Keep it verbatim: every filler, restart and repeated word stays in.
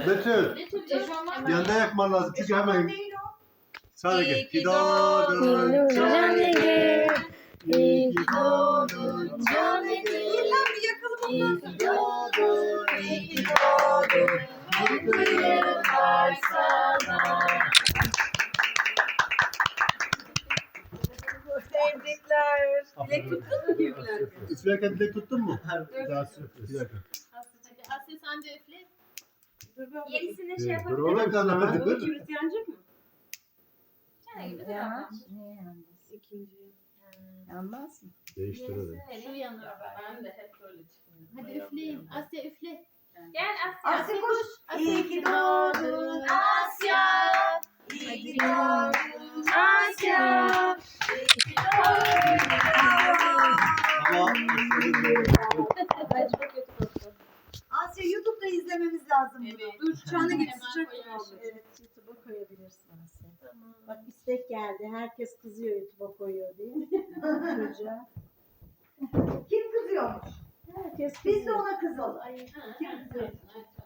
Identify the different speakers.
Speaker 1: Betül. Yanında yakman lazım çünkü hemen. Sadece. İyi ki doğdun Canege. İyi ki doğdun Canege.
Speaker 2: Bir yakalım
Speaker 1: İyi
Speaker 2: ondan.
Speaker 1: ki doğdun, iyi ki doğdun. Mutlu yıllar sana.
Speaker 2: Tebrikler. Dilek tuttun mu büyükler?
Speaker 1: Üflerken dilek tuttun mu?
Speaker 2: Evet.
Speaker 1: Daha süper. Bir dakika.
Speaker 3: Asya sen de üfle.
Speaker 2: Dur ben.
Speaker 3: Yenisini şey
Speaker 1: Dur
Speaker 3: yapabilir
Speaker 1: oğlum
Speaker 3: miyim?
Speaker 1: sana.
Speaker 2: Bu kibrit yanacak mı?
Speaker 3: Çay gibi de ama.
Speaker 4: Niye yalnız?
Speaker 2: İkinci.
Speaker 4: Yanmaz mı?
Speaker 1: Değiştirelim.
Speaker 3: Şu yanıyor. Ben de hep böyle çıkıyorum. Hadi üfleyin. Asya üfle.
Speaker 4: Yani.
Speaker 3: Gel Asya.
Speaker 2: Asya koş.
Speaker 3: Asya.
Speaker 2: İyi ki doğdun
Speaker 3: Asya.
Speaker 2: İyi ki doğdun
Speaker 3: Asya.
Speaker 1: Tamam.
Speaker 3: Ben çok kötü koktum.
Speaker 2: Asya YouTube'da izlememiz lazım bunu.
Speaker 3: Evet.
Speaker 2: Dur çana git
Speaker 3: Hemen
Speaker 2: sıcak
Speaker 3: koyarım.
Speaker 2: oldu.
Speaker 4: Evet, YouTube'a koyabilirsin Asya.
Speaker 3: Tamam.
Speaker 4: Bak istek geldi. Herkes kızıyor YouTube'a koyuyor diye. Çocuğa.
Speaker 2: Kim kızıyormuş?
Speaker 4: Herkes
Speaker 2: Biz de
Speaker 4: kızıyor.
Speaker 2: ona kızalım.
Speaker 3: Ay, ha,
Speaker 2: Kim
Speaker 3: ha,
Speaker 2: kızıyor?
Speaker 3: ha.